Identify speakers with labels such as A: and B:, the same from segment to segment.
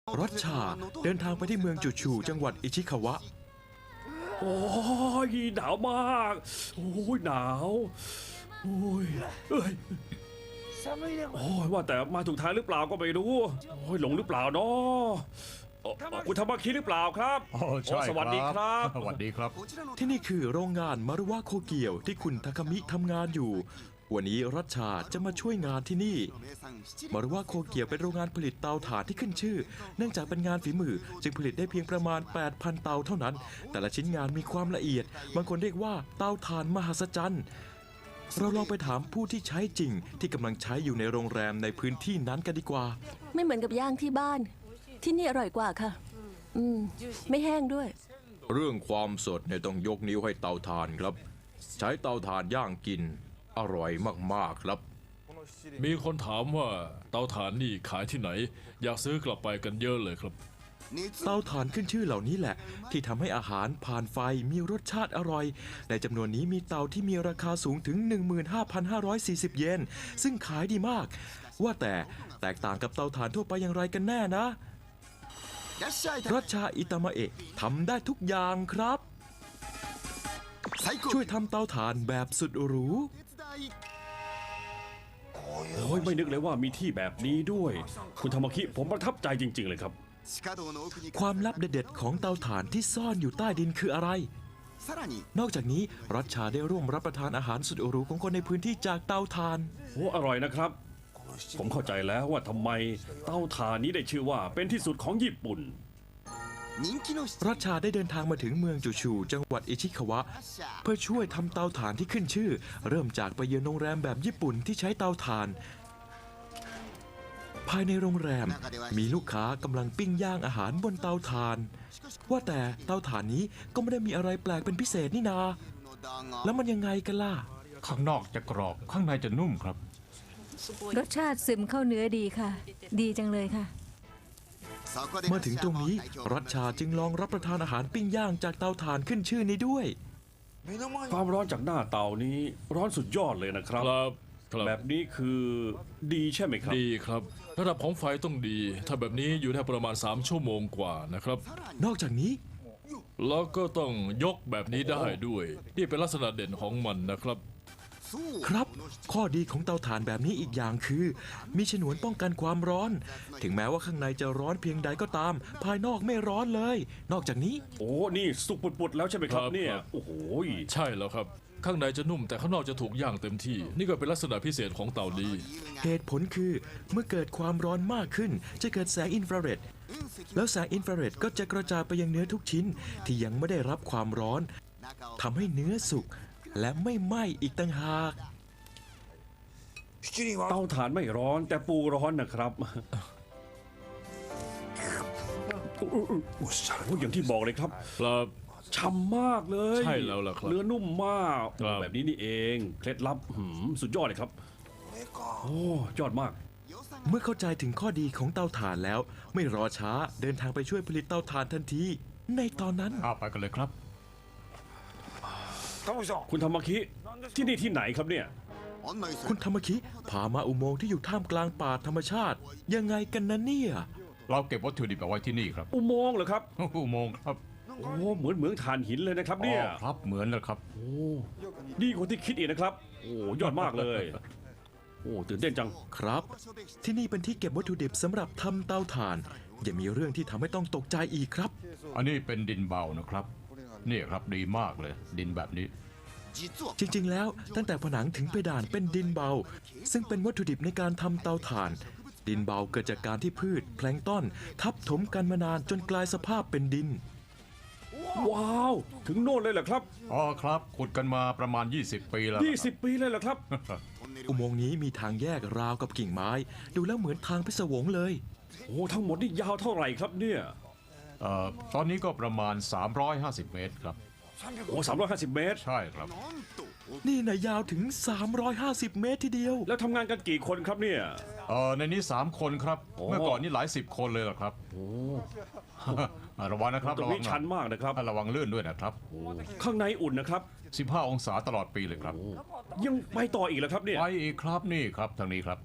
A: รถชาเดินทางไปที่เมืองจูชูจังหวัดอิชิคาวะ
B: โอ้ยหนาวมากโอ้ยหนาวโอ้ยเอ้ยโอ้ยว่าแต่มาถูกทางหรือเปล่าก็ไม่รู้โอ้ยหลงหรือเปล่าเนาะคุณธรรมคิดหรือเปล่าครับ
C: ใช่
B: สวัสดีครับ
C: สวัสดีครับ
A: ที่นี่คือโรงงานมารุวะโคเกียวที่คุณทาคามิทำงานอยู่วันนี้รัชชาจะมาช่วยงานที่นี่มารุวะโคเกียวเป็นโรงงานผลิตเตาถ่านที่ขึ้นชื่อเนื่องจากเป็นงานฝีมือจึงผลิตได้เพียงประมาณ 8,000 เตาเท่านั้นแต่ละชิ้นงานมีความละเอียดบางคนเรียกว่าเตาถ่านมหัศจรรย์เราลองไปถามผู้ที่ใช้จริงที่กำลังใช้อยู่ในโรงแรมในพื้นที่นั้นกันดีกว่า
D: ไม่เหมือนกับย่างที่บ้านที่นี่อร่อยกว่าค่ะไม่แห้งด้วย
A: เรื่องความสดเนี่ยต้องยกนิ้วให้เตาถ่านครับใช้เตาถ่านย่างกินอร่อยมากๆครับ
E: มีคนถามว่าเตาถ่านนี่ขายที่ไหนอยากซื้อกลับไปกันเยอะเลยครับ
A: เตาถ่านขึ้นชื่อเหล่านี้แหละที่ทำให้อาหารผ่านไฟมีรสชาติอร่อยในจำนวนนี้มีเตาที่มีราคาสูงถึง 15,540 เยนซึ่งขายดีมากว่าแต่แตกต่างกับเตาถ่านทั่วไปอย่างไรกันแน่นะรัชชาอิตามะเอะทำได้ทุกอย่างครับช่วยทำเตาถ่านแบบสุดหรู
B: โอ้ยไม่นึกเลยว่ามีที่แบบนี้ด้วย คุณธรรมคิผมประทับใจจริงๆเลยครับ
A: ความลับเด็ดๆของเตาถ่านที่ซ่อนอยู่ใต้ดินคืออะไรนอกจากนี้รัชชาได้ร่วมรับประทานอาหารสุดหรูของคนในพื้นที่จากเตาถ่าน
B: โอ้อร่อยนะครับผมเข้าใจแล้วว่าทำไมเตาถ่านนี้ได้ชื่อว่าเป็นที่สุดของญี่ปุ่น
A: รัชชาได้เดินทางมาถึงเมืองจูชูจังหวัดอิชิคาวะเพื่อช่วยทำเตาถ่านที่ขึ้นชื่อเริ่มจากไปเยือนโรงแรมแบบญี่ปุ่นที่ใช้เตาถ่านภายในโรงแรมมีลูกค้ากำลังปิ้งย่างอาหารบนเตาถ่านว่าแต่เตาถ่านนี้ก็ไม่ได้มีอะไรแปลกเป็นพิเศษนี่นาแล้วมันยังไงกันล่ะ
C: ข้างนอกจะกรอบข้างในจะนุ่มครับ
D: รสชาติซึมเข้าเนื้อดีค่ะดีจังเลยค่ะ
A: เมื่อถึงตรงนี้รัชชาจึงลองรับประทานอาหารปิ้งย่างจากเตาถ่านขึ้นชื่อนี้ด้วย
B: ความร้อนจากหน้าเตานี้ร้อนสุดยอดเลยนะครับแบบนี้คือดีใช่ไหมครับ
E: ดีครับระดับของไฟต้องดีถ้าแบบนี้อยู่ได้ประมาณ3 ชั่วโมงกว่านะครับ
A: นอกจากนี้
E: แล้วก็ต้องยกแบบนี้ได้ด้วยนี่เป็นลักษณะเด่นของมันนะครับ
A: ครับข้อดีของเตาถ่านแบบนี้อีกอย่างคือมีฉนวนป้องกันความร้อนถึงแม้ว่าข้างในจะร้อนเพียงใดก็ตามภายนอกไม่ร้อนเลยนอกจากนี้
B: โอ้นี่สุกปุดๆแล้วใช่ไหมครับเนี่ยโอ้โห
E: ใช่แล้วครับข้างในจะนุ่มแต่ข้างนอกจะถูกย่างเต็มที่นี่ก็เป็นลักษณะพิเศษของเตานี้
A: เหตุผลคือเมื่อเกิดความร้อนมากขึ้นจะเกิดแสงอินฟราเรดแล้วแสงอินฟราเรดก็จะกระจายไปยังเนื้อทุกชิ้นที่ยังไม่ได้รับความร้อนทำให้เนื้อสุกและไม่ไหม้อีกต่างหาก
B: เตาถ่านไม่ร้อนแต่ปูร้อนนะครับอย่างที่บอกเลยครับฉ่ำมากเลย
E: ใช่แล้วล่ะครับ
B: เนื้อนุ่มมากแบบนี้นี่เองเคล็ดลับสุดยอดเลยครับโอ้ยอดมาก
A: เมื่อเข้าใจถึงข้อดีของเตาถ่านแล้วไม่รอช้าเดินทางไปช่วยผลิตเตาถ่านทันทีในตอนนั้น
C: ไปกันเลยครับ
B: คุณธรรมคิที่นี่ที่ไหนครับเนี่ย
A: คุณธรรมคิพามาอุโมงค์ที่อยู่ท่ามกลางป่าธรรมชาติยังไงกันนะเนี่ย
C: เราเก็บวัตถุดิบเอาไว้ที่นี่ครับ
B: อุโมงค์เหรอครับ
C: อุโมงค์ครับ
B: โอ้เหมือนถ่านหินเลยนะครับเนี่ย
C: ครับเหมือนนะครับ
B: โอ้ดีกว่าที่คิดอีกนะครับโอ้ยอดมากเลยโอ้ตื่นเต้นจัง
A: ครับที่นี่เป็นที่เก็บวัตถุดิบสำหรับทำเตาถ่านยังมีเรื่องที่ทำให้ต้องตกใจอีกครับ
C: อันนี้เป็นดินเบานะครับนี่ครับดีมากเลยดินแบบนี้
A: จริงๆแล้วตั้งแต่ผนังถึงเพดานเป็นดินเบาซึ่งเป็นวัตถุดิบในการทำเตาถ่านดินเบาเกิดจากการที่พืชแพลงก์ต้นทับถมกันมานานจนกลายสภาพเป็นดิน
B: ว้าวถึงโน่นเลยเหรอครับ
C: ครับขุดกันมาประมาณ20 ปีแล้ว
B: 20 ปีเลยเหรอครับ
A: อุโมงค์นี้มีทางแยกราวกับกิ่งไม้ดูแล้วเหมือนทางพิศวงเลย
B: โอ้ทั้งหมดนี่ยาวเท่าไหร่ครับเนี่ย
C: ตอนนี้ก็ประมาณ350 เมตรครับ
B: โอ้350 เมตร
C: ใช่ครับ
A: นี่นะยาวถึง350 เมตรทีเดียว
B: แล้วทำงานกันกี่คนครับเนี่ย
C: ในนี้3 คนครับเมื่อก่อนนี่หลาย10 คนเลยหรอครับ
B: โอ้
C: ระวังนะครับ
B: ระวังชันมากนะครับ
C: ระวังลื่นด้วยนะครับ
B: ข้างในอุ่นนะครับ
C: 15 องศาตลอดปีเลยครับ
B: ยังไปต่ออีกแล้วครับเนี่ย
C: ไปอีกครับนี่ครับทางนี้ครับ
B: โ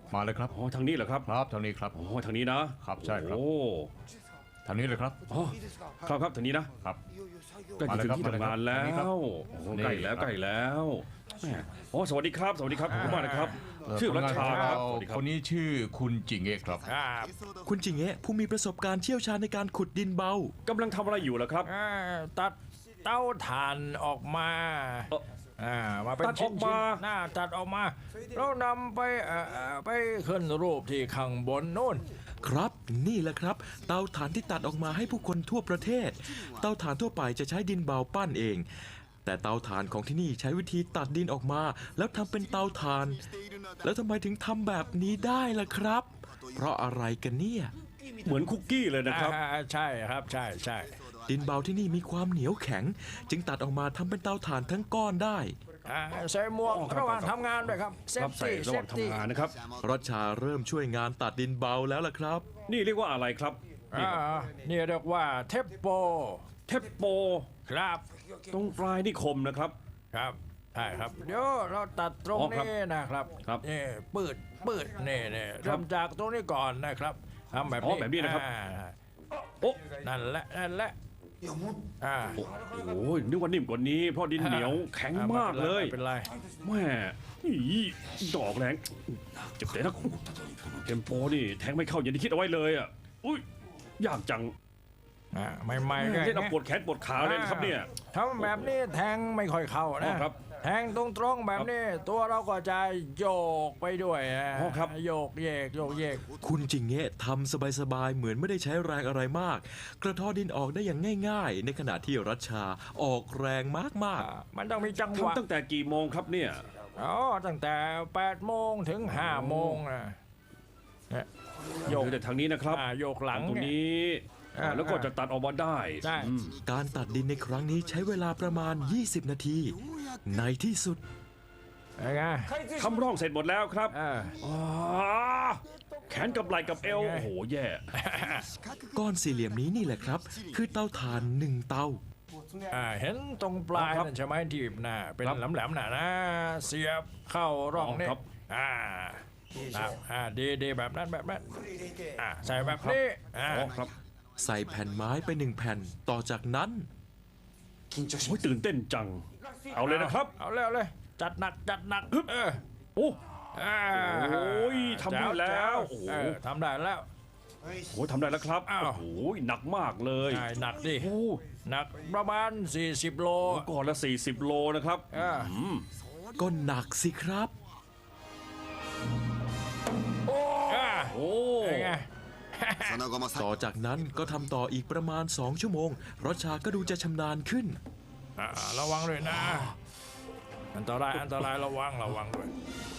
C: มาเลยครับ
B: อ๋อทางนี้เหรอครับ
C: ครับทางนี้ครับ
B: อ๋อทางนี้นะครับ
C: ใช่ครับ
B: โอ้
C: ทางนี้เลยครับ
B: อ๋อครับทางนี้นะครับ ใกล้จะถึงที่ทำงานแล้
C: มาเลยครับ
B: วโอ้
C: นี่
B: ใกล้แล้ว
C: ครับ
B: ใกล้แล้วแหมอ๋อสวัสดีครับขอบคุณมากนะครับ ชื่อรัชชาครับสวัสดีครับ
C: คนนี้ชื่อคุณจิงเอะครับ
A: คุณจิงเอะผู้มีประสบการณ์เชี่ยวชาญในการขุดดินเบา
B: กำลังทำอะไรอยู่ล่ะครับ
F: ตัดเต้าถ่านออกมา
B: เอ่อ
F: มาเป็น
B: ตัดอ
F: ชิ้
B: อน กมา
F: ๆหน้าตัดออกมาแล้วนำไปขึ้นรูปที่ข้างบนนู่น
A: ครับนี่แหละครับ เตาถ่านที่ตัดออกมาให้ผู้คนทั่วประเทศ เตาถ่านทั่วไปจะใช้ดินเบาปั้นเอง แต่เตาถ่านของที่นี่ใช้วิธีตัดดินออกมา แล้วทำเป็นเตาถ่าน แล้วทำไมถึงทำแบบนี้ได้ล่ะครับ เพราะอะไรกันเนี่ย
B: เหมือนคุกกี้เลยนะครับ
F: ใช่ครับใช่ใช่
A: ดินเบาที่นี่มีความเหนียวแข็ง จึงตัดออกมาทำเป็นเตาถ่านทั้งก้อนได้
F: ใส่หมวก
B: อ๋อครับ
F: ระหว่างทำงานด้วยครับเซ
B: ครั
F: ฟ
B: บใส่
F: ตี้
B: ระหว่างทำงานนะครับ
A: รัชชาเริ่มช่วยงานตัดดินเบาแล้วล่ะครับ
B: นี่เรียกว่าอะไรครับนี่ครับ
F: นี่เรียกว่าเทปโป
B: เทปโป
F: ครับ
B: ตรงปลายนี่คมนะครับ
F: ครับใช่ครับเดี๋ยวเราตัดตรง
B: อ๋อครับ
F: นี้นะครับ
B: ครับ
F: นี่ปืดนี่เริ่มจากตรงนี้ก่อนนะครับทำแบบ
B: อ๋อ
F: นี้
B: แบบนี้นะครับ โอ้
F: นั่นแหละอ่า
B: โหนึกว่านิ่มกว่านี้ เพราะดินเหนียวแข็งมากเลย
F: ไม่เป็นไร
B: แม่อีดอกแรงเจ็บใจนะเทมโปนี่แทงไม่เข้าอย่างที่คิดเอาไว้เลยอ่ะอุ้ยยากจัง
F: ใหม่ๆก็
B: เล่นเอาปวดแขนปวดขาเลยนะครับเนี่ย
F: ทำแบบนี้แทงไม่ค่อยเข้า
B: อ๋
F: นะ
B: อครับ
F: แทงตรงๆแบบนี้ ตัวเราก็จะโยกไปด้วยนะ
B: อ๋อครับ
F: โยกเยกโยกเยก
A: คุณจิงเงะทำสบายๆเหมือนไม่ได้ใช้แรงอะไรมาก กระเทอดินออกได้อย่างง่ายๆ ในขณะที่รัชชาออกแรงมากๆ
F: มันต้องมีจังหวะ
B: ทำตั้งแต่กี่โมงครับเนี่ย
F: อ๋อตั้งแต่8 โมงถึง5 โมงนะเนี่ยโยก
B: แต่ทางนี้นะครับ
F: โยกหลัง
B: ตรง
F: เนี่ย
B: นี้
F: อ่า
B: แล้วก็จะตัดออกมาได้
F: ใช่
B: อืม
A: การตัดดินในครั้งนี้ใช้เวลาประมาณ 20 นาที ในที่สุด
F: เป็นไง
B: ทำร่องเสร็จหมดแล้วครับ
F: อ่า
B: อ๋อแขนกับไหล่กับเอว
F: ไง
B: โอ้โหแย่
A: ก้อนสี่เหลี่ยมนี้นี่แหละครับ คือเตาถ่านหนึ่งเตา
F: เห็นตรงปลาย
B: ครับ
F: นั่นใช่ไหมที่หน้าเป็น
B: ครับ
F: แหลมๆน่ะนะ เสียบเข้าร่องนี่
B: ครับ
F: ดีแบบนั้นใส่แบบนี้
B: อ๋อครับ
A: ใส่แผ่นไม้ไปหนึ่งแผ่น ต่อจากนั้น
B: โอ้ยตื่นเต้นจัง เอาเลยนะครับ
F: เอาเลยจัดหนักเออ
B: โอ้
F: อ่า
B: โอ้ยทำได้แล้ว
F: โอ้
B: โอ้โห
F: ทำได้แล้ว
B: โอ้ยทำได้แล้วครับ
F: อ้าว
B: โอ้โหหนักมากเลย
F: ใช่หนักดิ
B: โอ้
F: หนักประมาณ40 โล
B: ก่อนละ40 โลนะครับ
F: อ่า
A: ก็หนักสิครับ
B: โอ้
F: เป็นไง
A: ต่อจากนั้นก็ทำต่ออีกประมาณ 2 ชั่วโมงรัชชาก็ดูจะชำนาญขึ้น
F: ระวังด้วยนะ อันตรายระวังด้วย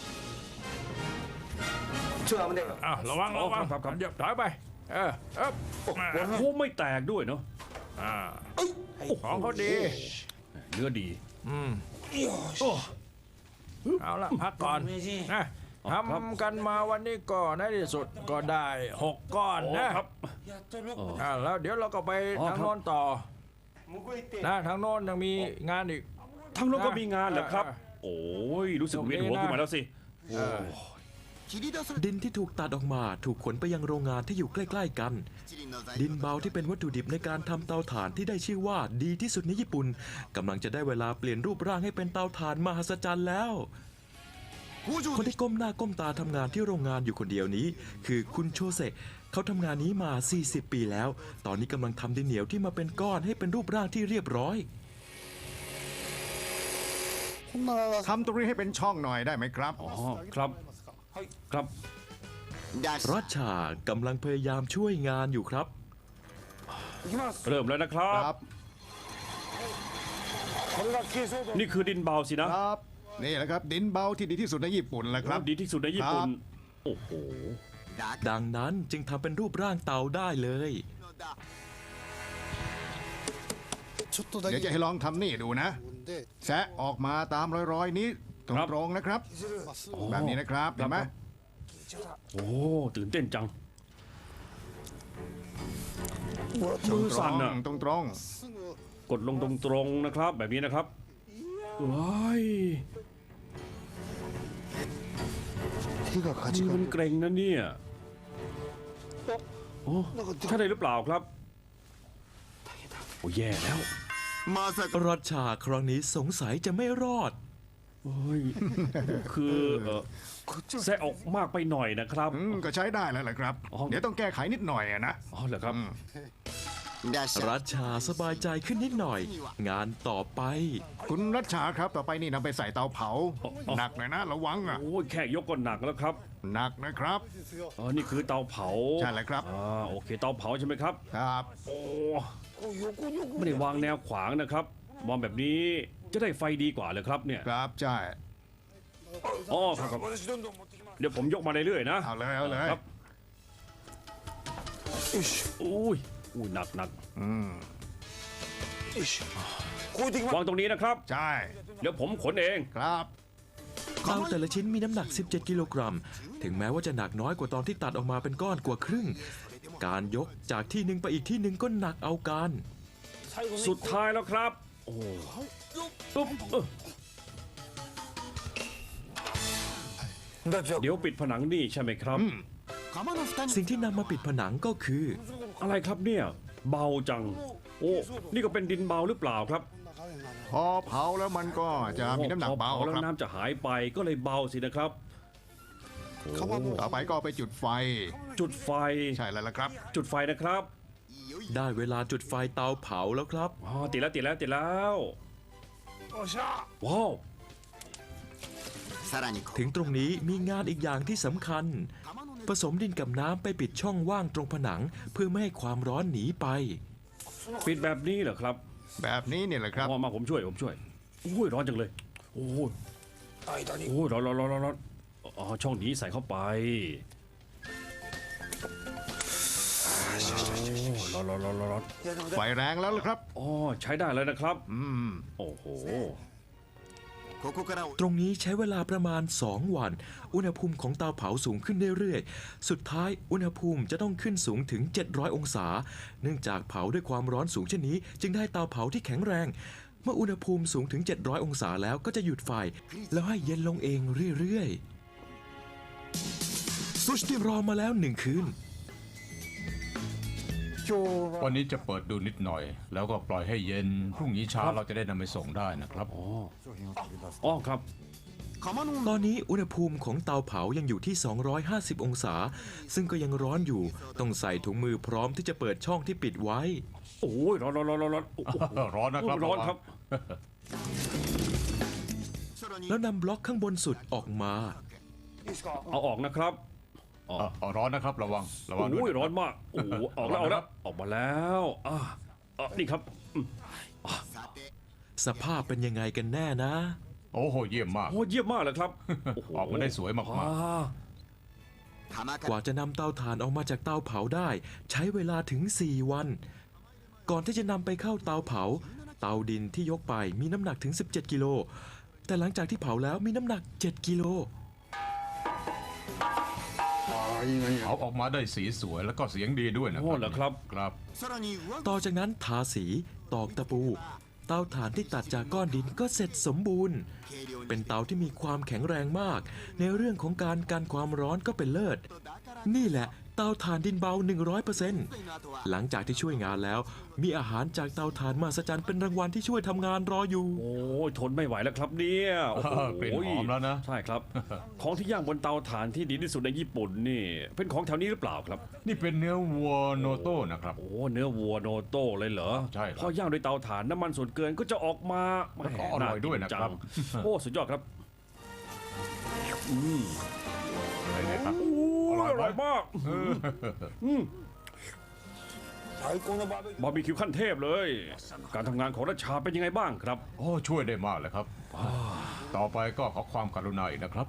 F: ระวัง
B: ครับ
F: เดี๋ยวถอยไปเออ
B: โอ้โหไม่แตกด้วยเนาะ
F: ของเขาดี
B: เนื้อดี
F: เอาละพักก่อนนะทำกันมาวันนี้ก็ในที่สุดก็ได้6 ก้อน
B: โอ้
F: นะครับ แล้วเดี๋ยวเราก็ไป
B: อ๋อ
F: ทาง
B: ครับ
F: โน้นต่อนะทางโน้นยังมีงานอีก
B: ทั้งโลกก็มีงานเหรอครับ
F: อ่า
B: โอ้ยรู้สึกเวียนหัวขึ้นมาแล้วสิ
A: ดินที่ถูกตัดออกมาถูกขนไปยังโรงงานที่อยู่ใกล้ๆกัน ดินเบาที่เป็นวัตถุดิบในการทำเตาถ่านที่ได้ชื่อว่าดีที่สุดในญี่ปุ่นกำลังจะได้เวลาเปลี่ยนรูปร่างให้เป็นเตาถ่านมหัศจรรย์แล้ว คนที่ก้มหน้าก้มตาทำงานที่โรงงานอยู่คนเดียวนี้ คือคุณโชเซะเขาทำงานนี้มา 40 ปีแล้ว ตอนนี้กำลังทำดินเหนียวที่มาเป็นก้อนให้เป็นรูปร่างที่เรียบร้อย
G: ทำตรงนี้ให้เป็นช่องหน่อยได้ไหมครับ
B: อ๋อครับครับ
A: รัชชากำลังพยายามช่วยงานอยู่ครับ
B: เริ่มแล้วนะครับ
G: ครับ
B: นี่คือดินเบาสินะ
G: ครับ นี่แหละครับ ดินเบาที่ดีที่สุดในญี่ปุ่นแหละครับ
B: ดีที่สุดในญี่ปุ่น
G: ครับ
B: โอ้โห
A: ดังนั้นจึงทำเป็นรูปร่างเตาได้เลย
G: เดี๋ยวจะให้ลองทำนี่ดูนะ แซะออกมาตามรอยๆนี้ตรงๆนะครับ แบบนี้นะครับเห็นไหม
B: โอ้ตื่นเต้นจัง
G: ตร
B: มือสั่นอะ
G: งๆตรง
B: กดลงตรงๆนะครับ แบบนี้นะครับว้ายมือมันเกร็งนะเนี่ยโอ้ใช่ได้หรือเปล่าครับโอ้แย่แล้ว
A: รัชชาครั้งนี้สงสัยจะไม่รอด
B: โอ้ยคือแซะออกมากไปหน่อยนะครับ
G: ก็ใช้ได้แล้วแหละครับ
B: อ๋อ
G: เดี๋ยวต้องแก้ไขนิดหน่อยอะนะ
B: อ๋อเหรอครับ
A: รัชชาสบายใจขึ้นนิดหน่อย งานต่อไป
G: คุณรัชชาครับต่อไปนี่นำไปใส่เตาเผา หนักเลยนะระวังอ่ะ
B: โอ้ยแค่ยกก็หนักแล้วครับ
G: หนักนะครับ
B: อ๋อนี่คือเตาเผา
G: ใช่แล้วครับ
B: โอเคเตาเผาใช่ไหมครับ
G: ครับ
B: โอ้ไม่ได้วางแนวขวางนะครับวางแบบนี้จะได้ไฟดีกว่าเลยครับเนี่ย
G: ครับใช่
B: อ๋อครับเดี๋ยวผมยกมาเรื่อยๆนะ
G: เอาเลยเอาเลย
B: ครับอุ้ยหนักวางตรงนี้นะครับ
G: ใช่
B: เดี๋ยวผมขนเอง
G: ครับ
A: เตาแต่ละชิ้นมีน้ำหนัก 17 กิโลกรัม ถึงแม้ว่าจะหนักน้อยกว่าตอนที่ตัดออกมาเป็นก้อนกว่าครึ่ง การยกจากที่หนึ่งไปอีกที่หนึ่งก็หนักเอาการ
B: สุดท้ายแล้วครับโอ้ตุ๊บเดี๋ยวปิดผนังนี่ใช่ไหมครับ
A: สิ่งที่นำมาปิดผนังก็คือ
B: อะไรครับเนี่ยเบาจัง โอ้นี่ก็เป็นดินเบาหรือเปล่าครับ
G: พอเผาแล้วมันก็จะมีน้ำหนักเบา
B: พอแล้ว
G: ครับ
B: น้ำจะหายไปก็เลยเบาสินะครับโอ้
G: ต่อไปก็เอาไปจุดไฟ
B: จุดไฟ
G: ใช่แล้วล่ะครับ
B: จุดไฟนะครับ
A: ได้เวลาจุดไฟเตาเผาแล้วครับ
B: อ๋อติดแล้วว้าว
A: ถึงตรงนี้มีงานอีกอย่างที่สำคัญ ผสมดินกับน้ำไปปิดช่องว่างตรงผนัง เพื่อไม่ให้ความร้อนหนีไป
B: ปิดแบบนี้เหรอครับ
G: แบบนี้เนี่ยแหละครับ
B: มาผมช่วยโอ้ยร้อนจังเลยโอ้ยโอ้ยร้อนอ๋อช่องนี้ใส่เข้าไปโอ้ร้อน
G: ไฟแรงแล้วล่ะครับ
B: อ๋อใช้ได้แล้วนะครับ
G: อืม
B: โอ้โห
A: ตรงนี้ใช้เวลาประมาณ 2 วัน อุณหภูมิของเตาเผาสูงขึ้นเรื่อยๆ สุดท้ายอุณหภูมิจะต้องขึ้นสูงถึง 700 องศา เนื่องจากเผาด้วยความร้อนสูงเช่นนี้ จึงได้เตาเผาที่แข็งแรง เมื่ออุณหภูมิสูงถึง 700 องศาแล้วก็จะหยุดไฟ แล้วให้เย็นลงเองเรื่อยๆ รอมาแล้ว 1 คืน
C: วันนี้จะเปิดดูนิดหน่อย แล้วก็ปล่อยให้เย็น พรุ่งนี้เช้าเราจะได้นำไปส่งได้นะครับ
B: อ๋อครับ
A: ตอนนี้อุณหภูมิของเตาเผายังอยู่ที่ 250 องศา ซึ่งก็ยังร้อนอยู่ ต้องใส่ถุงมือพร้อมที่จะเปิดช่องที่ปิดไว้
B: โอ้ยร้อนโอ้โห
C: ร้อนนะครับ
B: ร้อนครับ
A: แล้วนำบล็อกข้างบนสุดออกมา
B: เอาออกนะครับ
C: ร้อนนะครับระวังด้ว
B: โอ้ย
C: ยะคบ
B: ร้อนมากโอ้โหออกแล้วออกมาแล้วนี่ครับ
A: สภาพเป็นยังไงกันแน่นะ
C: โอ้โหเยี่ยมมาก
B: โอ้เยี่ยมมากเลยครับโโห
C: ออกมาได้สวยมาก
B: อ่
A: กว่าจะนำเตาถ่านออกมาจากเตาเผาได้ ใช้เวลาถึง 4 วัน ก่อนที่จะนำไปเข้าเตาเผา เตาดินที่ยกไปมีน้ำหนักถึง 17 กิโล แต่หลังจากที่เผาแล้วมีน้ำหนัก 7 กิโล
C: เขาออกมาได้สีสวยแล้วก็เสียงดีด้วยนะค
B: โอ้
C: รับ
B: เหรอครับ
C: ครับ
A: ต่อจากนั้นทาสี ตอกตะปู เตาถ่านที่ตัดจากก้อนดินก็เสร็จสมบูรณ์ เป็นเตาที่มีความแข็งแรงมาก ในเรื่องของการกันความร้อนก็เป็นเลิศ นี่แหละเตาถ่านดินเบา 100%หลังจากที่ช่วยงานแล้ว มีอาหารจากเตาถ่านมหัศจรรย์เป็นรางวัลที่ช่วยทำงานรออยู่
B: โอ้ยทนไม่ไหวแล้วครับเนี่ยโอ้โห
C: กลิ่นหอมแล้วนะ
B: ใช่ครับ ของที่ย่างบนเตาถ่านที่ดีที่สุดในญี่ปุ่นนี่ เป็นของแถวนี้หรือเปล่าครับ
C: นี่เป็นเนื้อวัวโนโต้นะครับ
B: โอ้เนื้อวัวโนโต้เลยเหรอ
C: ใช่ครับ
B: พอย่างด้วยเตาถ่านน้ำมันส่วนเกินก็จะออกมา
C: แล้วก็อร่อยด้วยนะครับ
B: ากิจังโอ้สุดยอดครับ
C: อะไรเนี่ยครับ
B: อ
C: อร่อยไหม
B: ร่อยมากบาร์บีคิวขั้นเทพเลย การทำงานของรัชชาเป็นยังไงบ้างครับ
C: โอ้ช่วยได้มากเลยครับ ต่อไปก็ขอความกรุณาอีกนะครับ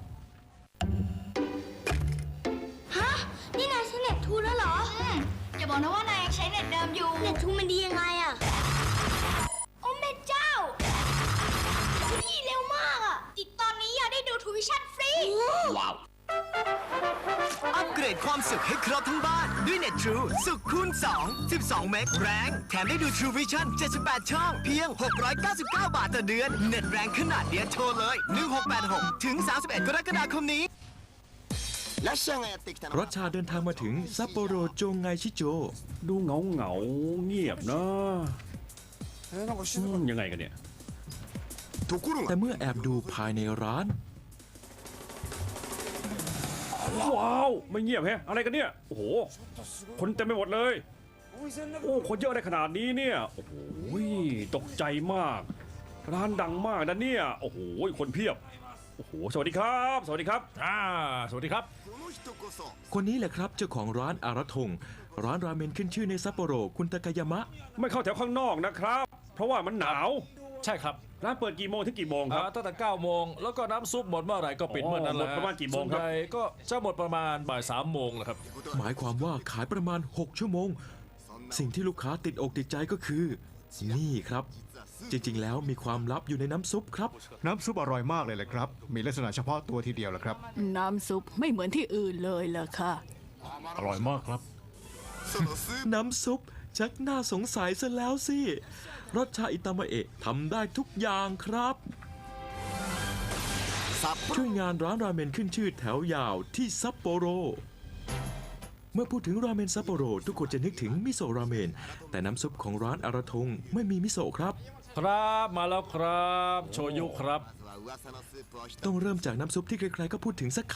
H: ฮะ นี่นายใช้เน็ตทูแล้วเหรออย่าบอกนะว่านายยังใช้เน็ตเดิมอยู่ เน็ตทูมันดียังไงอะโอ้แม่เจ้านี่เร็วมากอะติดตอนนี้อยากได้ดูทูวิชั่นฟรี ว้าว
I: อัปเกรดความสุขให้ครบทั้งบ้านด้วย Net True สุขคูณ 2 12 เมกแรงแถมได้ดู True Vision 78 ช่อง เพียง 699 บาทต่อเดือน เน็ตแรงขนาดเดียวโทรเลย 1686 ถึง 31 กรกฎาคมนี้
A: รัชชาเดินทางมาถึงซัปโปโรโจงไงชิโจ
B: ดูเหงาเงียบนะยังไงกันเนี่ย
A: แต่เมื่อแอบดูภายในร้าน
B: ว้าวไม่เงียบแฮะอะไรกันเนี่ยโอ้โหคนเต็มไปหมดเลยโอ้คนเยอะอะไรขนาดนี้เนี่ยโอ้โหตกใจมาก ร้านดังมากนะเนี่ยโอ้โหคนเพียบโอ้โหสวัสดีครับ สวัสดีครับ
F: สวัสดีครับ
A: คนนี้แหละครับเจ้าของร้านอาราทงร้านราเมนขึ้นชื่อในซัปโปโรคุณตากายามะ
B: ไม่เข้าแถวข้างนอกนะครับ เพราะว่ามันหนาว
F: ใช่ครับ
B: ร้านเปิดกี่โมงถึงกี่โมงครับ
F: ตั้งแต่9 โมงแล้วก็น้ำซุปหมดเมื่อไหร่ก็ปิดเมื่อนั้นแหละ
B: หมดประมาณกี่โมงครับ
F: ส่วนใหญ่ก็จะหมดประมาณบ่าย 3 โมงนะครับ
A: หมายความว่าขายประมาณ 6 ชั่วโมง สิ่งที่ลูกค้าติดอกติดใจก็คือ นี่ครับ จริงๆแล้วมีความลับอยู่ในน้ำซุปครับ
G: น้ำซุปอร่อยมากเลยแหละครับ มีลักษณะเฉพาะตัวทีเดียวแหละครับ
D: น้ำซุปไม่เหมือนที่อื่นเลยล่ะค่ะ
C: อร่อยมากครับ
A: น้ำซุปชักน่าสงสัยซะแล้วสิรสชาอิตามะเอะทำได้ทุกอย่างครับ ช่วยงานร้านราเมนขึ้นชื่อแถวยาวที่ซัปโปโร เมื่อพูดถึงราเมนซัปโปโรทุกคนจะนึกถึงมิโซะราเมน แต่น้ำซุปของร้านอาราทงไม่มีมิโซะครับ
F: ครับมาแล้วครับโชยุครับ
A: ต้องเริ่มจากน้ำซุปที่ใครๆก็พูดถึงสักค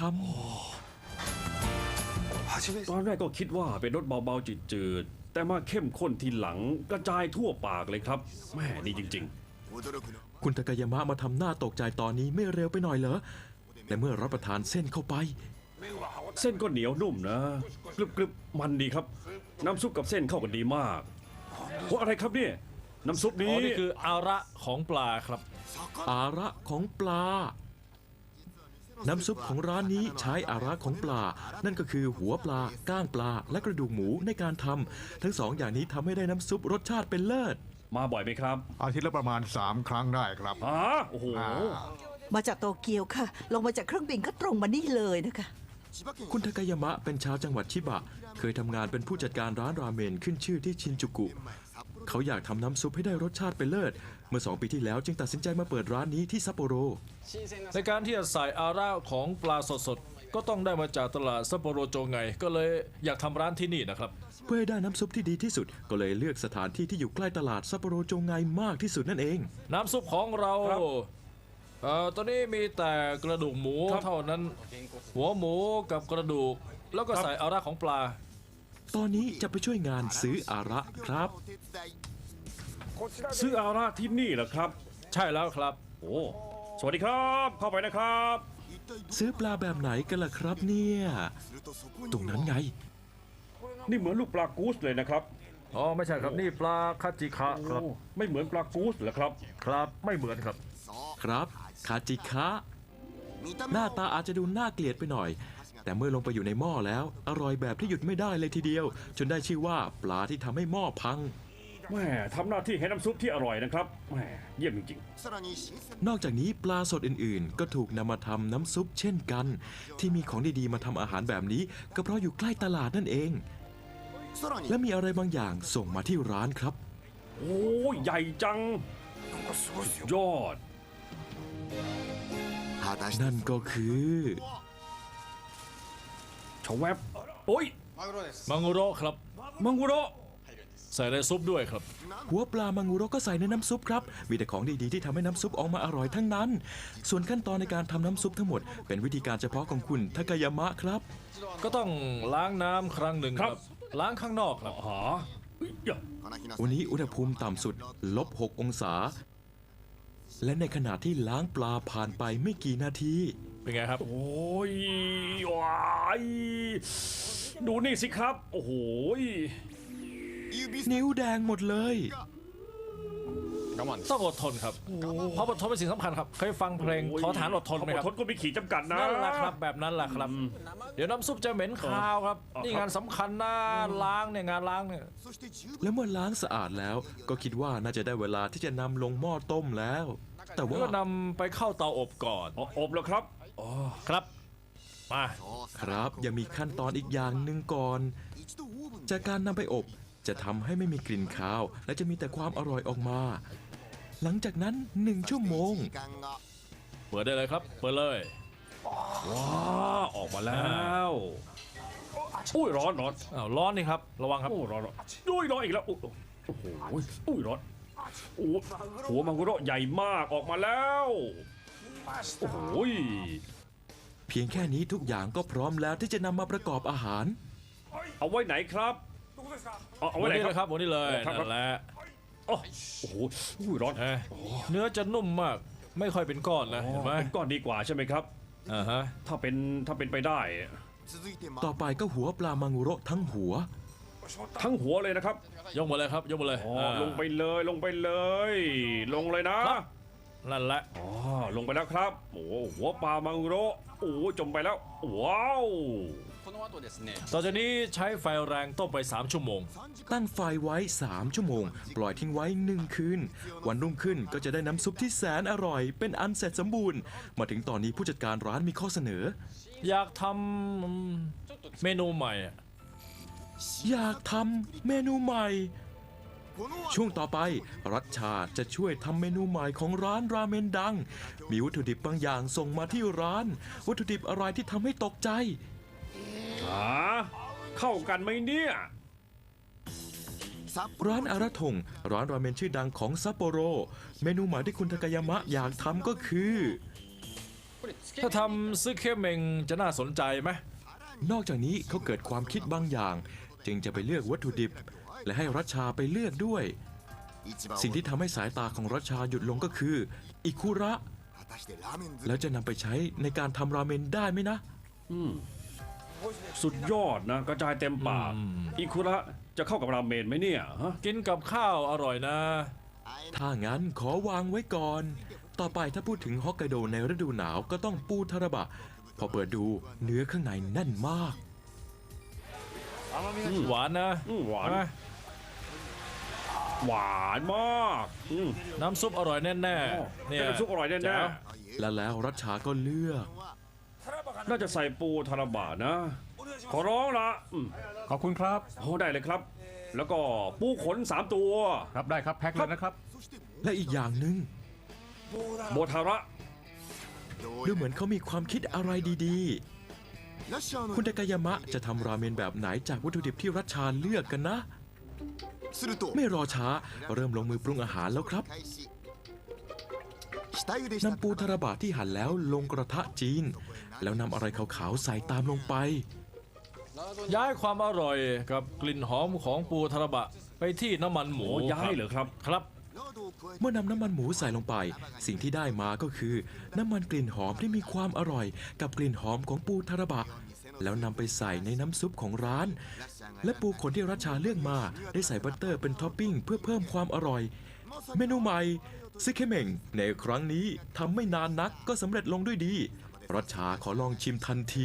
B: ตอนแรกก็คิดว่าเป็นรสเบาๆจืดๆแต่มาเข้มข้นทีหลังกระจายทั่วปากเลยครับแม่ดีจริง
A: ำคุณตากายามะมาทำหน้าตกใจตอนนี้ไม่เร็วไปหน่อยเหรอแต่เมื่อรับประทานเส้นเข้าไป
B: ๆ เส้นก็เหนียวนุ่มนะกรึบๆมันดีครับ น้ำซุปกับเส้นเข้ากันดีมากโอ้อะไรครับเนี่ยน้ำซุป
F: อ๋
B: นี้
F: อนี่คืออาระของปลาครับ
A: อาระของปลา น้ำซุปของร้านนี้ใช้อาระของปลา นั่นก็คือหัวปลา ก้างปลา และกระดูกหมูในการทำทั้งสองอย่างนี้ทำให้ได้น้ำซุปรสชาติเป็นเลิศ
B: มาบ่อยไหมครับ
G: อาทิตย์ละประมาณ 3 ครั้งได้ครับ
B: โอ้โห
J: มาจากโตเกียวค่ะ ลงมาจากเครื่องบินก็ตรงมานี่เลยนะคะ
A: คุณทากายามะเป็นชาวจังหวัดชิบะ เคยทำงานเป็นผู้จัดการร้านราเมนขึ้นชื่อที่ชินจูกุ เขาอยากทำน้ำซุปให้ได้รสชาติเป็นเลิศ เมื่อ 2 ปีที่แล้วจึงตัดสินใจมาเปิดร้านนี้ที่ซัปโปโร
F: ในการที่จะใส่อาระของปลาสดๆก็ต้องได้มาจากตลาดซัปโปโรโจไงก็เลยอยากทำร้านที่นี่นะครับ
A: เพื่อให้ได้น้ำซุปที่ดีที่สุด ก็เลยเลือกสถานที่ที่อยู่ใกล้ตลาดซัปโปโรโจไงมากที่สุดนั่นเอง
F: น้ำซุปของเรา
B: ครับ
F: ตอนนี้มีแต่กระดูกหมู
B: ครับ
F: เท่านั้น หัวหมูกับกระดูก แล้วก็
B: ครับ
F: ใส่อาระของปลา
A: ตอนนี้จะไปช่วยงานซื้ออาระครับ
B: ซื้ออาราที่นี่เหรอครับ
F: ใช่แล้วครับ
B: โอ้สวัสดีครับ เข้าไปนะครับ
A: ซื้อปลาแบบไหนกันล่ะครับเนี่ย ตรงนั้นไง
B: นี่เหมือนลูกปลากูสเลยนะครับ
F: อ๋อไม่ใช่ครับนี่ปลาคาจิคะครับ
B: โอ้ไม่เหมือนปลากูสเหรอครับ
F: ครับไม่เหมือนครับ
A: ครับคาจิคะ หน้าตาอาจจะดูน่าเกลียดไปหน่อย แต่เมื่อลงไปอยู่ในหม้อแล้ว อร่อยแบบที่หยุดไม่ได้เลยทีเดียว จนได้ชื่อว่าปลาที่ทำให้หม้อพัง
B: แม่ทำหน้าที่ให้น้ำซุปที่อร่อยนะครับแม่เยี่ยมจริง
A: นอกจากนี้ปลาสดอื่นๆ ก็ถูกนำมาทำน้ำซุปเช่นกัน ที่มีของดีๆมาทำอาหารแบบนี้ ก็เพราะอยู่ใกล้ตลาดนั่นเอง และมีอะไรบางอย่างส่งมาที่ร้านครับ
B: ๆ โอ้ใหญ่จังสุดยอด
A: นั่นก็คือ
B: ชาแวบโอ้ย
F: มังกุโระครับ
B: มังกุโระ
F: ใส่ในซุปด้วยครับ
A: หัวปลามังงูโรก็ใส่ในน้ำซุปครับ มีแต่ของดีๆที่ทำให้น้ำซุปออกมาอร่อยทั้งนั้น ส่วนขั้นตอนในการทำน้ำซุปทั้งหมดเป็นวิธีการเฉพาะของคุณทากายามะครับ
F: ก็ต้องล้างน้ำครั้งหนึ่งครับ ล้างข้างนอกครับ
B: หาเอ้ย
A: วันนี้อุณหภูมิต่ำสุด-6 องศา และในขณะที่ล้างปลาผ่านไปไม่กี่นาที
F: เป็นไงครับ
B: โอ้ยว้ายดูนี่สิครับ โอ้โห
A: นิ้วแดงหมดเลย
F: ต้องอดทนครับ เพราะอดทนเป็นสิ่งสำคัญครับ เคยฟังเพลงขอฐานอดทนไหมครับ
B: ทนก็มีขีดจำกัดนะ
F: นั่นแหละครับแบบนั้นแหละครับ เดี๋ยวน้ำซุปจะเหม็นคาวครับ
B: อ๋อ
F: นี่งานสำคัญนะล้างเนี่ยงานล้างเนี่ย
A: แล้วเมื่อล้างสะอาดแล้ว ก็คิดว่าน่าจะได้เวลาที่จะนำลงหม้อต้มแล้ว แต่ว่า
F: ก็นำไปเข้าเตาอบก่อน
B: อ๋ออบแล้วครับ
F: ครับ มา
A: ครับยังมีขั้นตอนอีกอย่างหนึ่งก่อน จากการนำไปอบจะทำให้ไม่มีกลิ่นคาว และจะมีแต่ความอร่อยออกมา หลังจากนั้น1 ชั่วโมง
F: เปิดได้เลยครับ เปิดเลย
B: ว้าออกมาแล้วอุ้ยร้อนร้อน
F: อ้าวร้อนนี่ครับระวังครับ
B: โอ้ร้อนร้อนอุ้ยร้อนอีกแล้วโอ้โหอุ้ยร้อนโอ้หัวมังคุโระใหญ่มากออกมาแล้วโอ้โห
A: เพียงแค่นี้ทุกอย่างก็พร้อมแล้วที่จะนำมาประกอบอาหาร
B: เอาไว้ไหนครับเอาไว้
F: วัน
B: ไหน
F: นี้
B: ค
F: เล
B: รับ
F: ยครับวันนี้เลย
B: ครับ
F: นั่นแหละ
B: โอ้โหอุ้ยร้อน
F: เนื้อจะนุ่มมาก ไม่ค่อยเป็นก้อนนะเห็นไหม
B: เป็นก้อนดีกว่าใช่ไหมครับ
F: อ่าฮะ
B: ถ้าเป็นไปได้
A: ต่อไปก็หัวปลามังุโระทั้งหัว
B: ทั้งหัวเลยนะครับ
F: ยกมาเลยครับยกมาเลย
B: อ๋อลงไปเลยลงไปเลย ลงเลยนะ
F: นั่นแหละ
B: อ๋อลงไปแล้วครับโอ้หัวปลามังโรโอ้จมไปแล้วว้าว
F: ต่อจากนี้ใช้ไฟแรงต้มไป3 ชั่วโมง
A: ตั้งไฟไว้ 3 ชั่วโมง ปล่อยทิ้งไว้ 1 คืน วันรุ่งขึ้นก็จะได้น้ำซุปที่แสนอร่อย เป็นอันเสร็จสมบูรณ์ มาถึงตอนนี้ผู้จัดการร้านมีข้อเสนอ
F: อยากทำเมนูใหม่อะ
A: อยากทำเมนูใหม่ ช่วงต่อไป รัชชาจะช่วยทำเมนูใหม่ของร้านราเมนดัง มีวัตถุดิบบางอย่างส่งมาที่ร้าน วัตถุดิบอะไรที่ทำให้ตกใจ
B: หาเข้ากันไหมเนี่ย
A: ร้านอาราทงร้านราเมนชื่อดังของซัปโปโร เมนูใหม่ที่คุณทากายามะอยากทำก็คือ
F: ถ้าทำซึเคเมงจะน่าสนใจไหม
A: นอกจากนี้เขาเกิดความคิดบางอย่าง จึงจะไปเลือกวัตถุดิบ และให้รัชชาไปเลือกด้วย สิ่งที่ทำให้สายตาของรัชชาหยุดลงก็คือ อิคุระ แล้วจะนำไปใช้ในการทำราเมนได้ไหมนะ
B: สุดยอดนะกระจายเต็มปากอิคุระจะเข้ากับราเมนไหมเนี่ยฮะ
F: กินกับข้าวอร่อยนะ
A: ถ้างั้นขอวางไว้ก่อน ต่อไปถ้าพูดถึงฮอกไกโดในฤดูหนาวก็ต้องปูทาราบะ พอเปิดดูเนื้อข้างในแน่นมาก
F: หวานนะ
B: หวาน
F: ใช่ไหม
B: หวานมาก
F: น้ำซุปอร่อยแน่ๆเนี่ย
B: เป็นน้ำซุปอร่อยแน่
F: แจ๋ว
A: และแล้วรัชชาก็เลือก
B: ๆน่าจะใส่ปูทาราบะนะ ขอร้องละ
C: ขอบคุณครับ
B: โอ้ได้เลยครับ แล้วก็ปูขน3 ตัว
C: ครับได้ครับแพ็คเลยนะครับ
A: และอีกอย่างหนึ่ง
B: โบทาระ
A: ดูเหมือนเขามีความคิดอะไรดีๆ คุณทากายามะจะทำราเมนแบบไหนจากวัตถุดิบที่รัชชาเลือกกันนะ ไม่รอช้าเริ่มลงมือปรุงอาหารแล้วครับนำปูทาราบะที่หั่นแล้วลงกระทะจีน แล้วนำอะไรขาวๆใส่ตามลงไป
F: ย้ายความอร่อยกับกลิ่นหอมของปูทาราบะไปที่น้ำมันหมู
B: โอ้ย้ายเหรอครับ
F: ครับ
A: เมื่อนำน้ำมันหมูใส่ลงไป สิ่งที่ได้มาก็คือ น้ำมันกลิ่นหอมที่มีความอร่อย กับกลิ่นหอมของปูทาราบะ แล้วนำไปใส่ในน้ำซุปของร้าน และปูขนที่รัชชาเลือกมาได้ใส่บัตเตอร์เป็นท็อปปิ้งเพื่อเพิ่มความอร่อย เมนูใหม่ซึเคเมงในครั้งนี้ทำไม่นานนักก็สำเร็จลงด้วยดี รัชชาขอลองชิมทันที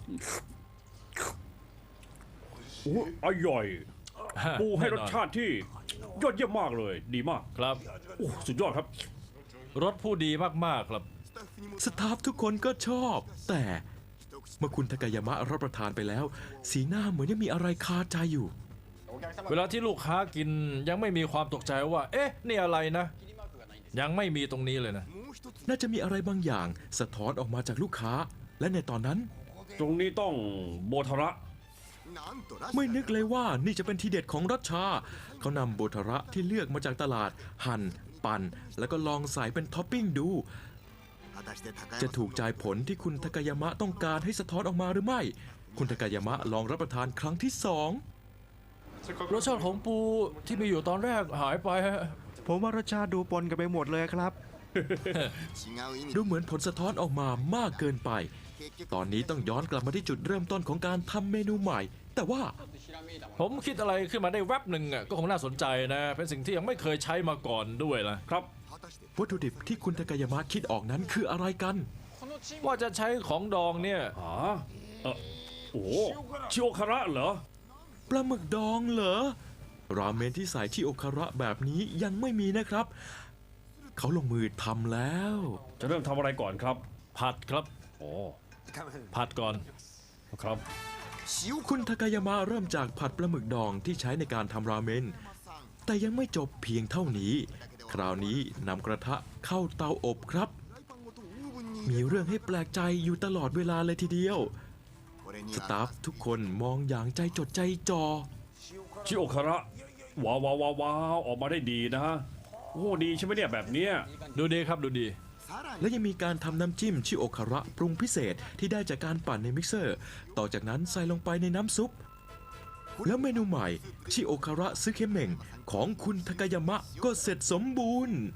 B: โอ้อร่อย ปูให้รสชาติที่ยอดเยี่ยมมากเลย ดีมาก
F: ครับ
B: โอ้สุดยอดครับ
F: รสผู้ดีมากๆครับ
A: สตาฟทุกคนก็ชอบ แต่เมื่อคุณทากายามะรับประทานไปแล้ว สีหน้าเหมือนยังมีอะไรคาใจอยู่
F: เวลาที่ลูกค้ากินยังไม่มีความตกใจว่า เอ๊ะ นี่อะไรนะ ยังไม่มีตรงนี้เลยนะ
A: น่าจะมีอะไรบางอย่างสะท้อนออกมาจากลูกค้า และในตอนนั้น
B: ตรงนี้ต้องโบทาระ
A: ไม่นึกเลยว่านี่จะเป็นทีเด็ดของรัชชา เขานำโบทาระที่เลือกมาจากตลาด หั่น ปั่น แล้วก็ลองใส่เป็นท็อปปิ้งดู จะถูกใจผลที่คุณทากายามะต้องการให้สะท้อนออกมาหรือไม่ คุณทากายามะลองรับประทานครั้งที่ 2
F: รสชาติของปูที่มีอยู่ตอนแรกหายไปฮะ
K: ผมว่ารสชาติดูปนกันไปหมดเลยครับ
A: ดูเหมือนผลสะท้อนออกมามากเกินไป ตอนนี้ต้องย้อนกลับมาที่จุดเริ่มต้นของการทำเมนูใหม่ แต่ว่า
F: ผมคิดอะไรขึ้นมาได้แวบหนึ่งอ่ะก็คงน่าสนใจนะ เป็นสิ่งที่ยังไม่เคยใช้มาก่อนด้วยนะครับ
A: วัตถุดิบที่คุณทากายามะคิดออกนั้นคืออะไรกัน
F: ว่าจะใช้ของดองเนี่ย
B: อ๋อโอ้ชิโอคาระเหรอ
A: ปลาหมึกดองเหรอ ราเมนที่ใส่ที่โอคาระแบบนี้ยังไม่มีนะครับ เขาลงมือทำแล้ว
B: จะเริ่มทำอะไรก่อนครับ
F: ผัดครับ
B: โอ้
F: ผัดก่อน
B: ครับ
A: คุณทากายามะเริ่มจากผัดปลาหมึกดองที่ใช้ในการทำราเมน แต่ยังไม่จบเพียงเท่านี้ คราวนี้นำกระทะเข้าเตาอบครับมีเรื่องให้แปลกใจอยู่ตลอดเวลาเลยทีเดียว สตาฟทุกคนมองอย่างใจจดใจจ่อ
B: ชิโอคาระว้าวว้าวว้าวว้าวออกมาได้ดีนะโอ้ดีใช่ไหมเนี่ยแบบเนี้ย
F: ดูดีครับดูดี
A: และยังมีการทำน้ำจิ้มชิโอคาระปรุงพิเศษที่ได้จากการปั่นในมิกเซอร์ ต่อจากนั้นใส่ลงไปในน้ำซุป แล้วเมนูใหม่ชิโอคาระซึเคเมงของคุณทากายามะก็เสร็จสมบูรณ์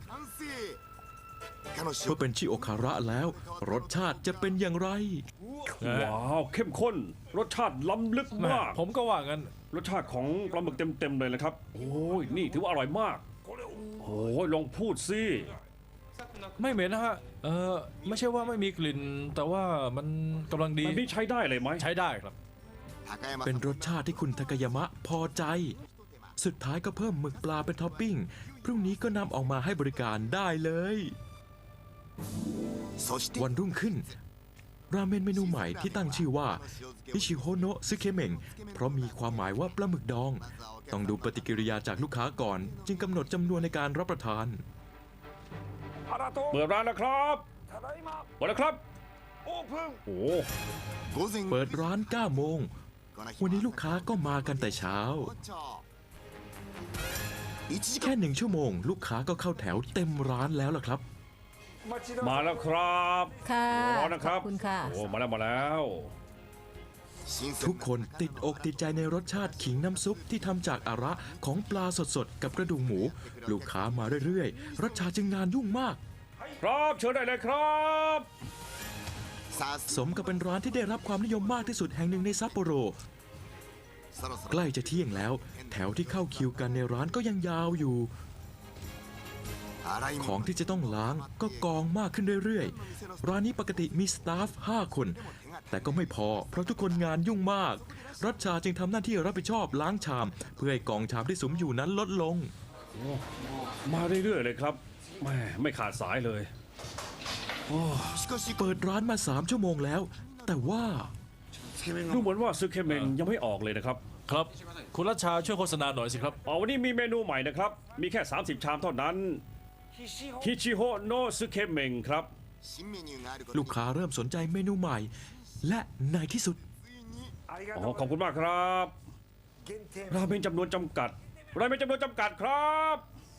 A: เมื่อเป็นชิโอคาระแล้ว รสชาติจะเป็นอย่างไร
B: ว้าวเข้มข้นรสชาติล้ำลึกมาก
F: ผมก็ว่างั้น
B: รสชาติของปลาหมึกเต็มๆเลยนะครับโอ้ยนี่ถือว่าอร่อยมากโอ้ยลองพูดสิ
F: ไม่เหม็นนะฮะไม่ใช่ว่าไม่มีกลิ่น แต่ว่ามันกำลังดี
B: มันนี่ใช้ได้เลยไหม
F: ใช้ได้ครับ
A: เป็นรสชาติที่คุณทากายามะพอใจ สุดท้ายก็เพิ่มหมึกปลาเป็นท็อปปิ้ง พรุ่งนี้ก็นำออกมาให้บริการได้เลย วันรุ่งขึ้น ราเมนเมนูใหม่ที่ตั้งชื่อว่าอิชิโฮโนะซึเคเมงเพราะมีความหมายว่าปลาหมึกดอง ต้องดูปฏิกิริยาจากลูกค้าก่อน จึงกำหนดจำนวนในการรับประทาน
B: เปิดร้านแล้วครับเปิดแล้วครับโอ้
A: เปิดร้าน 9 โมง วันนี้ลูกค้าก็มากันแต่เช้า แค่ 1 ชั่วโมง ลูกค้าก็เข้าแถวเต็มร้านแล้วล่ะครับ
B: มาแล้วครับ
D: ค่ะ
B: ร้อนนะครับ
D: ขอบคุณค่ะ
B: โอ้มาแล้ว
A: ทุกคนติดอกติดใจในรสชาติขิงน้ำซุปที่ทำจากอาระของปลาสดๆกับกระดูกหมู ลูกค้ามาเรื่อยๆรสชาติจึงงานยุ่งมาก
B: ครับเชิญได้เลยครับ
A: สมกับเป็นร้านที่ได้รับความนิยมมากที่สุดแห่งหนึ่งในซัปโปโร ใกล้จะเที่ยงแล้ว แถวที่เข้าคิวกันในร้านก็ยังยาวอยู่ ของที่จะต้องล้างก็กองมากขึ้นเรื่อยๆ ร้านนี้ปกติมีสตาฟ 5 คน แต่ก็ไม่พอเพราะทุกคนงานยุ่งมาก รัชชาจึงทำหน้าที่รับผิดชอบล้างชาม เพื่อให้กองชามที่สุมอยู่นั้นลดลง
B: มาเรื่อยๆเลยครับแม่ไม่ขาดสายเลย
A: เปิดร้านมา 3 ชั่วโมงแล้ว แต่ว่า
B: ดูเหมือนว่าซึเคเมงยังไม่ออกเลยนะครับ
F: ครับ คุณรัชชาช่วยโฆษณาหน่อยสิครับ
B: วันนี้มีเมนูใหม่นะครับ มีแค่ 30 ชามเท่านั้นฮิชิโฮโนะซึเคเมงครับ
A: ลูกค้าเริ่มสนใจเมนูใหม่ และในที่สุด
B: ขอบคุณมากครับราเมนจำนวนจำกัดราเมนจำนวนจำกัดครับ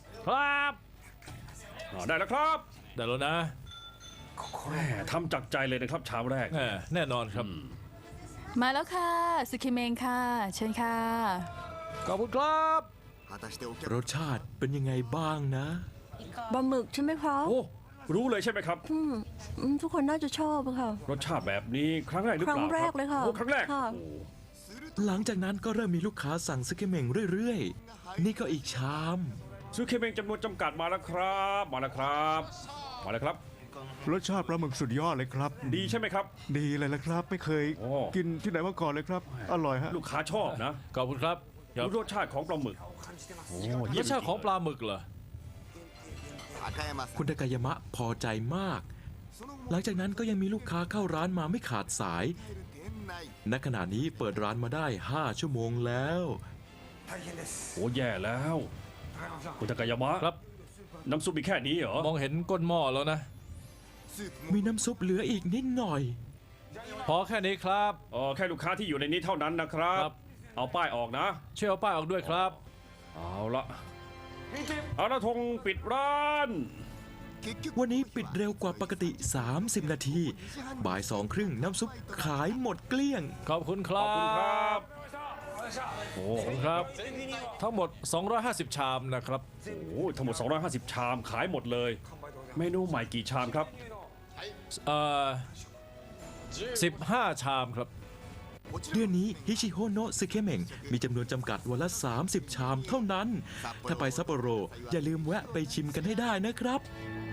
B: ได้แล้วครับ
F: ได้แล้วนะ
B: แม่ทำจากใจเลยนะครับชามแรก
F: แน่นอนครับ
L: มาแล้วค่ะสุคิเมงค่ะ เชิญค่ะ
F: ขอบคุณครับ
A: รสชาติเป็นยังไงบ้างนะ
D: ปลาหมึกใช่ไหมคะ
B: โอ้รู้เลยใช่ไหมครับ
D: ทุกคนน่าจะชอบอะค่ะ
B: รสชาติแบบนี้ครั้งแรกหรือ
D: ค
B: เป
D: รั้ง
B: ล่า
D: แรกเลยค่ะ
B: โอ้ครั้งแรก
D: ค่ะ
B: โอ้
A: หลังจากนั้นก็เริ่มมีลูกค้าสั่งซึเกเมงเรื่อยๆ นี่ก็อีกชาม
B: ซึเคเมงจำนวนจำกัดมาแล้วครับมาแล้วครับมาแล้วครับ
K: รสชาติปลาหมึกสุดยอดเลยครับ
B: ดีใช่ไหมครับ
K: ดีเลยละครับ ไม่เคย
B: โอ้
K: กินที่ไหนมาก่อนเลยครับ อร่อยฮะ
B: ลูกค้าชอบนะ
F: ขอบคุณครับ
B: ดูรสชาติของปลาหมึก
F: รสชาติของปลาหมึกเหรอ
A: คุณทากายามะพอใจมาก หลังจากนั้นก็ยังมีลูกค้าเข้าร้านมาไม่ขาดสาย ณ ขณะนี้เปิดร้านมาได้ 5 ชั่วโมงแล้ว
B: โอ้แย่แล้วคุณทากายามะ
F: ครับ
B: น้ำซุปมีแค่นี้เหรอ
F: มองเห็นก้นหม้อแล้วนะ
A: มีน้ำซุปเหลืออีกนิดหน่อย
F: พอแค่นี้ครับ
B: แค่ลูกค้าที่อยู่ในนี้เท่านั้นนะครับ
F: ครับ
B: เอาป้ายออกนะ
F: ช่วยเอาป้ายออกด้วยครับ
B: เอาละธงปิดร้าน
A: วันนี้ปิดเร็วกว่าปกติ 30 นาที บ่าย2:30น้ำซุปขายหมดเกลี้ยง
F: ขอบคุณค
B: ข
F: รั
B: อบคุณครับ บ
F: โอ้ครับ ทั้งหมด 250 ชามนะครับ
B: โอ้ทั้งหมด 250 ชามขายหมดเลย เมนูใหม่กี่ชามครับ
F: 15 ชามครับ
A: เดือนนี้ฮิชิโฮโนะซึเคเมงมีจำนวนจำกัดวันละ 30 ชามเท่านั้น ถ้าไปซัปโปโรอย่าลืมแวะไปชิมกันให้ได้นะครับ